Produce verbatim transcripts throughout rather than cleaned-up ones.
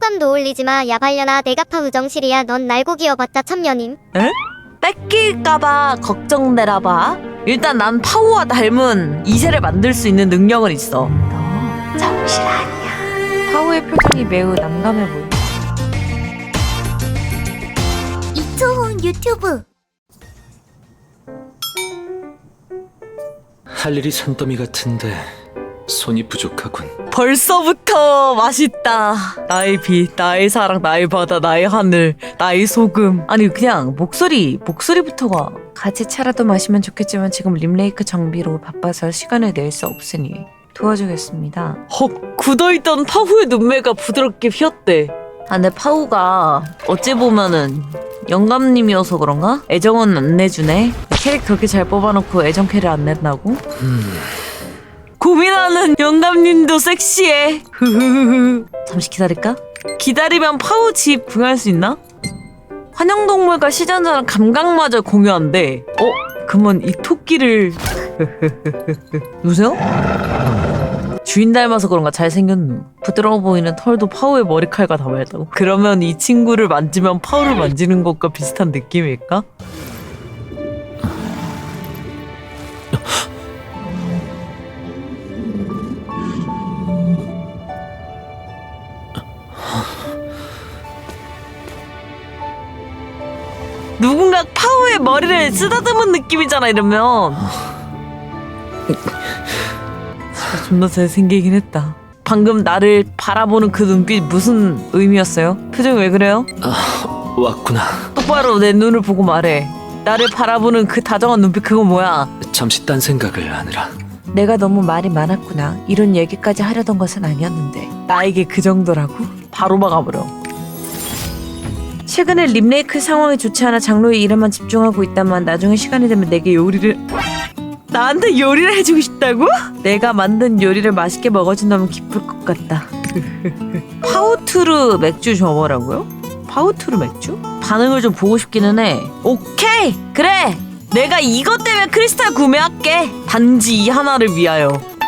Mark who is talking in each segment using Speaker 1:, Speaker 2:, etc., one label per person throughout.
Speaker 1: 땀도 올리지마. 야 발려나. 내가 파우 정실이야. 넌 날고 기어봤자 천년임.
Speaker 2: 에? 뺏길까봐 걱정되나봐. 일단 난 파우와 닮은 이세를 만들 수 있는 능력은 있어. 너 정실 아니야. 파우의 표정이 매우 난감해 보인다.
Speaker 1: 이초훈 유튜브.
Speaker 3: 할 일이 산더미 같은데 손이 부족하군.
Speaker 2: 벌써부터 맛있다. 나의 빛, 나의 사랑, 나의 바다, 나의 하늘, 나의 소금. 아니 그냥 목소리, 목소리부터가 같이 차라도 마시면 좋겠지만 지금 림레이크 정비로 바빠서 시간을 낼 수 없으니 도와주겠습니다. 헉, 굳어있던 파우의 눈매가 부드럽게 휘었대. 아 근데 파우가 어찌 보면은 영감님이어서 그런가? 애정은 안 내주네. 캐릭 그렇게 잘 뽑아놓고 애정 캐릭 안 낸다고?
Speaker 3: 음...
Speaker 2: 고민하는 영감님도 섹시해. 흐흐흐. 잠시 기다릴까? 기다리면 파우 집 구경할 수 있나? 환영동물과 시장자랑 감각마저 공유한대. 어? 그러면 이 토끼를 누구세요? 주인 닮아서 그런가 잘생겼누. 부드러워 보이는 털도 파우의 머리칼과 닮았다고? 그러면 이 친구를 만지면 파우를 만지는 것과 비슷한 느낌일까? 누군가 파우의 머리를 쓰다듬은 느낌이잖아 이러면. 진짜 존나 잘생기긴 했다. 방금 나를 바라보는 그 눈빛 무슨 의미였어요? 표정 왜 그래요?
Speaker 3: 아, 왔구나.
Speaker 2: 똑바로 내 눈을 보고 말해. 나를 바라보는 그 다정한 눈빛 그거 뭐야?
Speaker 3: 잠시 딴 생각을 하느라.
Speaker 2: 내가 너무 말이 많았구나. 이런 얘기까지 하려던 것은 아니었는데 나에게 그 정도라고? 바로 막아버려. 최근에 림레이크 상황이 좋지 않아 장로의 일에만 집중하고 있다만 나중에 시간이 되면 내게 요리를... 나한테 요리를 해주고 싶다고? 내가 만든 요리를 맛있게 먹어준다면 기쁠 것 같다. 파우투르 맥주 줘보라고요? 파우투르 맥주? 반응을 좀 보고 싶기는 해. 오케이! 그래! 내가 이것 때문에 크리스탈 구매할게. 단지 이 하나를 위하여.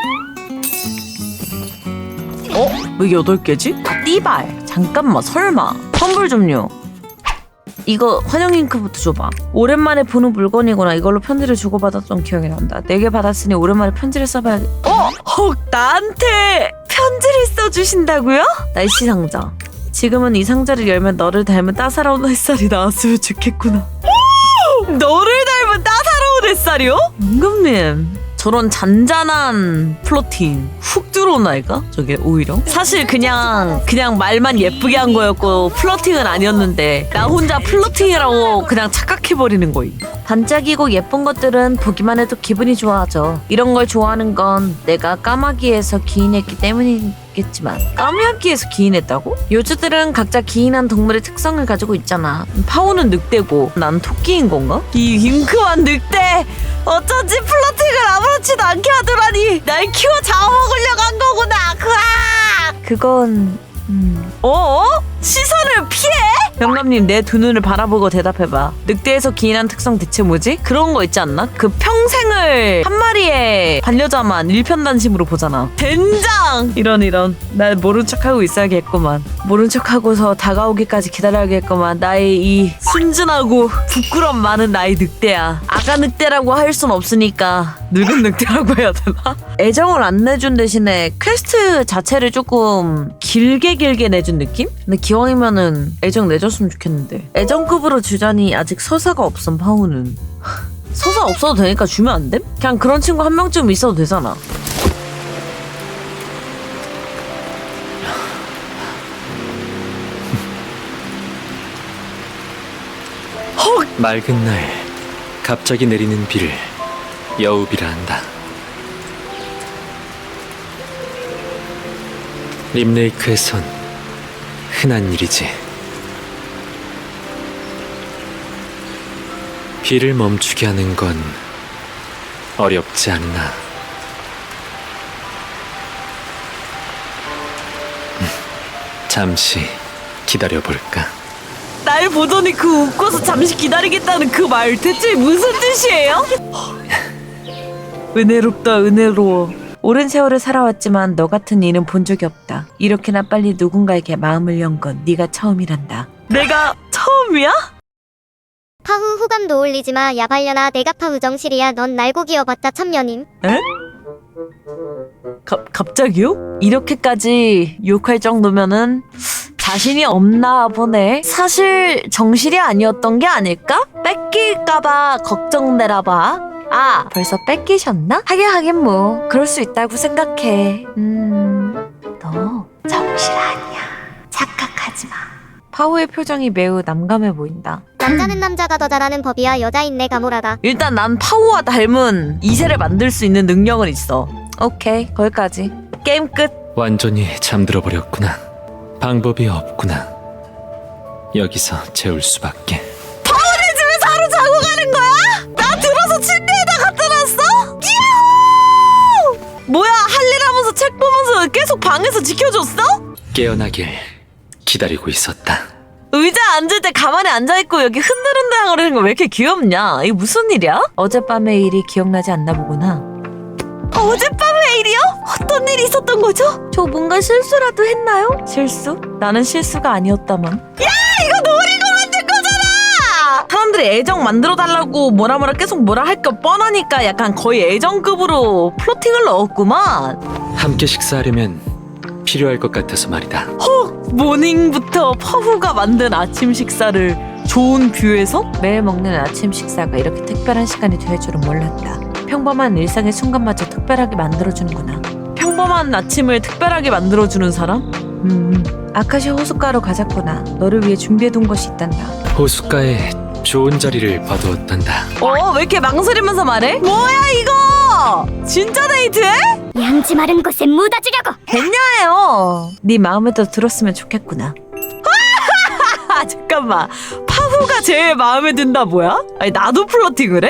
Speaker 2: 어? 왜 여덟 개지? 띠발. 잠깐만 설마. 선불 좀요. 이거 환영 잉크부터 줘봐. 오랜만에 보는 물건이구나. 이걸로 편지를 주고받았던 기억이 난다. 네 개 받았으니 오랜만에 편지를 써봐야겠... 어? 헉 나한테 편지를 써주신다고요? 날씨 상자. 지금은 이 상자를 열면 너를 닮은 따사로운 햇살이 나왔으면 좋겠구나. 너를 닮은 따사로운 햇살이요? 영감님 저런 잔잔한 플로팅 훅 들어온 아이가? 저게 오히려? 사실 그냥 그냥 말만 예쁘게 한 거였고 플러팅은 아니었는데 나 혼자 플러팅이라고 그냥 착각해버리는 거임. 반짝이고 예쁜 것들은 보기만 해도 기분이 좋아하죠. 이런 걸 좋아하는 건 내가 까마귀에서 기인했기 때문이겠지만. 까마귀에서 기인했다고? 요주들은 각자 기인한 동물의 특성을 가지고 있잖아. 파우는 늑대고 난 토끼인 건가? 이 윙크한 늑대 어쩐지 플러팅을 아무렇지도 않게 하더라니. 날 키워 잡아먹으려고 한 거구나. 그아! 그건... 음... 어어? 시선을 피해? 영감님 내 두 눈을 바라보고 대답해봐. 늑대에서 기인한 특성 대체 뭐지? 그런 거 있지 않나? 그 평생을 한 마리의 반려자만 일편단심으로 보잖아. 젠장! 이런 이런 날 모른 척하고 있어야겠구만. 모른 척하고서 다가오기까지 기다려야겠구만. 나의 이 순진하고 부끄럼 많은 나의 늑대야. 아가 늑대라고 할 순 없으니까 늙은 늑대라고 해야 되나? 애정을 안 내준 대신에 퀘스트 자체를 조금 길게 길게 내준 느낌? 근데 기왕이면은 애정 내줬으면 좋겠는데 애정급으로 주자니 아직 서사가 없음. 파우는 서사 없어도 되니까 주면 안 됨? 그냥 그런 친구 한 명쯤 있어도 되잖아. 헉!
Speaker 3: 맑은 날 갑자기 내리는 비를 여우비라 한다. 림레이크에선 흔한 일이지. 비를 멈추게 하는 건 어렵지 않나. 음, 잠시 기다려볼까?
Speaker 2: 날 보더니 그 웃고서 잠시 기다리겠다는 그 말 대체 무슨 뜻이에요? 은혜롭다 은혜로워. 오랜 세월을 살아왔지만 너 같은 이는 본 적이 없다. 이렇게나 빨리 누군가에게 마음을 연 건 네가 처음이란다. 내가 처음이야?
Speaker 1: 파후 후감도 올리지마. 야발려나 내가 파우정실이야. 넌 날고 기어봤자 천년임.
Speaker 2: 에? 가, 갑자기요? 이렇게까지 욕할 정도면은 자신이 없나 보네. 사실 정실이 아니었던 게 아닐까? 뺏길까봐 걱정되나봐. 아, 벌써 뺏기셨나? 하긴 하긴 뭐 그럴 수 있다고 생각해. 음, 너 정실 아니야. 착각하지 마. 파우의 표정이 매우 남감해 보인다.
Speaker 1: 남자는 남자가 더 잘하는 법이야. 여자인 내 가모라다.
Speaker 2: 일단 난 파우와 닮은 이세를 만들 수 있는 능력은 있어. 오케이, 거기까지. 게임 끝.
Speaker 3: 완전히 잠들어 버렸구나. 방법이 없구나. 여기서 재울 수밖에.
Speaker 2: 파우네 집에서 하루 자고 가는 거야? 나 들어서 침대에다 갖다 놨어? 야호! 뭐야, 할 일 하면서 책 보면서 계속 방에서 지켜줬어?
Speaker 3: 깨어나길 기다리고 있었다.
Speaker 2: 의자에 앉을 때 가만히 앉아있고 여기 흔들흔들거리는 거 왜 이렇게 귀엽냐? 이게 무슨 일이야? 어젯밤의 일이 기억나지 않나 보구나. 어젯밤의 일이요? 어떤 일이 있었던 거죠? 저 뭔가 실수라도 했나요? 실수? 나는 실수가 아니었다만. 야, 이거 노리고 만든 거잖아! 사람들이 애정 만들어달라고 뭐라 뭐라 계속 뭐라 할 거 뻔하니까 약간 거의 애정급으로 플로팅을 넣었구만.
Speaker 3: 함께 식사하려면 필요할 것 같아서 말이다.
Speaker 2: 헉! 모닝부터 파후가 만든 아침 식사를 좋은 뷰에서? 매일 먹는 아침 식사가 이렇게 특별한 시간이 될 줄은 몰랐다. 평범한 일상의 순간마저 특별하게 만들어주는구나. 평범한 아침을 특별하게 만들어주는 사람? 음, 아카시아 호숫가로 가자꾸나. 너를 위해 준비해둔 것이 있단다.
Speaker 3: 호숫가에 좋은 자리를 봐두었단다.
Speaker 2: 어? 왜 이렇게 망설이면서 말해? 뭐야 이거! 진짜 데이트해?
Speaker 1: 양지 마른 곳에 묻어주려고.
Speaker 2: 됐냐요. 네 마음에도 들었으면 좋겠구나. 아, 잠깐만. 파후가 제일 마음에 든다 뭐야? 아니 나도 플러팅을 해?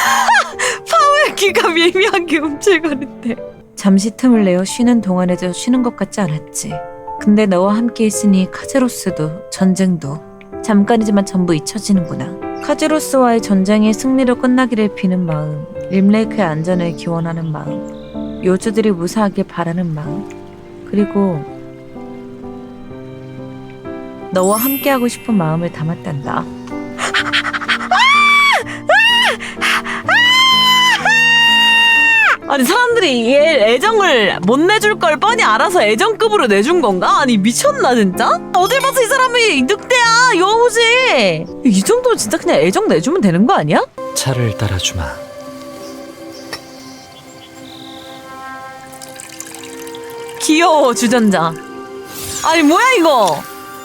Speaker 2: 파후의 귀가 미묘하게 움찔거린대. 잠시 틈을 내어 쉬는 동안에도 쉬는 것 같지 않았지. 근데 너와 함께 있으니 카제로스도 전쟁도 잠깐이지만 전부 잊혀지는구나. 카제로스와의 전쟁이 승리로 끝나기를 비는 마음, 림레이크의 안전을 기원하는 마음, 요주들이 무사하길 바라는 마음, 그리고 너와 함께하고 싶은 마음을 담았단다. 아니 사람들이 얘 애정을 못 내줄 걸 뻔히 알아서 애정급으로 내준 건가? 아니 미쳤나 진짜? 어딜 봐서 이 사람이 늑대야 여우지. 이 정도면 진짜 그냥 애정 내주면 되는 거 아니야?
Speaker 3: 차를 따라주마.
Speaker 2: 귀여워 주전자. 아니 뭐야 이거.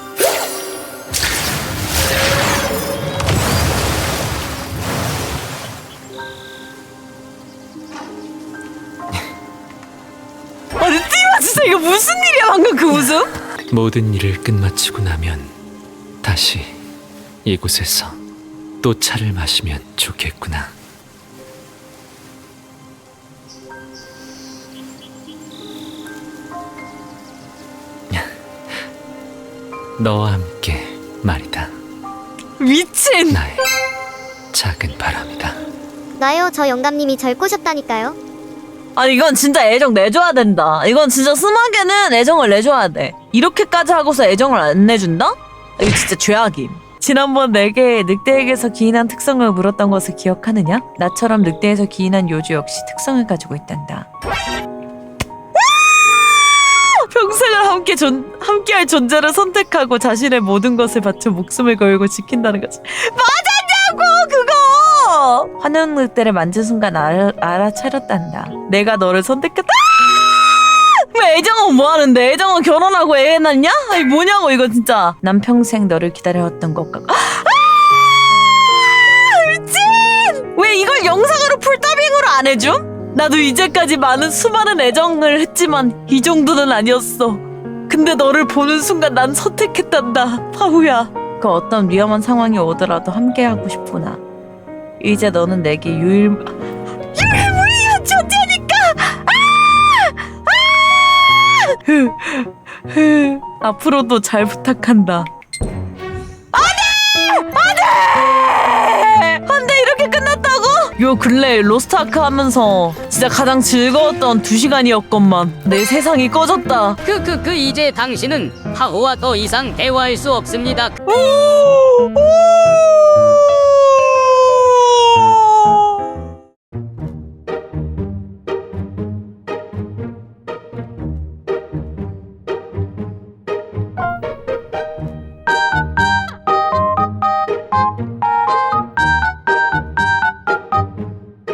Speaker 2: 아니 띠마 진짜 이거 무슨 일이야 방금 그 웃음?
Speaker 3: 모든 일을 끝마치고 나면 다시 이곳에서 또 차를 마시면 좋겠구나. 너와 함께 말이다.
Speaker 2: 미친.
Speaker 3: 나의 작은 바람이다.
Speaker 1: 나요, 저 영감님이 절 꼬셨다니까요.
Speaker 2: 아니 이건 진짜 애정 내줘야 된다. 이건 진짜 스마게는 애정을 내줘야 돼. 이렇게까지 하고서 애정을 안 내준다? 이거 진짜 죄악임. 지난번 내게 늑대에게서 기인한 특성을 물었던 것을 기억하느냐? 나처럼 늑대에서 기인한 요주 역시 특성을 가지고 있단다. 평생을 함께 존, 함께할 존재를 선택하고 자신의 모든 것을 바쳐 목숨을 걸고 지킨다는 거지. 맞았냐고 그거! 환영 늑대를 만진 순간 알, 알아차렸단다. 내가 너를 선택했다. 왜 애정은 뭐하는데? 애정은 결혼하고 애 낳냐? 아니 뭐냐고 이거 진짜. 난 평생 너를 기다려왔던 것 같고. 아! 미친! 왜 이걸 영상으로 풀더빙으로 안 해줌? 나도 이제까지 많은 수많은 애정을 했지만 이 정도는 아니었어. 근데 너를 보는 순간 난 선택했단다. 파후야. 그 어떤 위험한 상황이 오더라도 함께하고 싶구나. 이제 너는 내게 유일... 유일무이한 존재니까! 아! 아! 앞으로도 잘 부탁한다. 안돼! 안돼! 안돼 이렇게 끝났다고? 요 근래 로스트아크 하면서 진짜 가장 즐거웠던 두 시간이었건만 내 세상이 꺼졌다.
Speaker 4: 크크크 이제 당신은 하오와 더 이상 대화할 수 없습니다.
Speaker 2: 오! 오!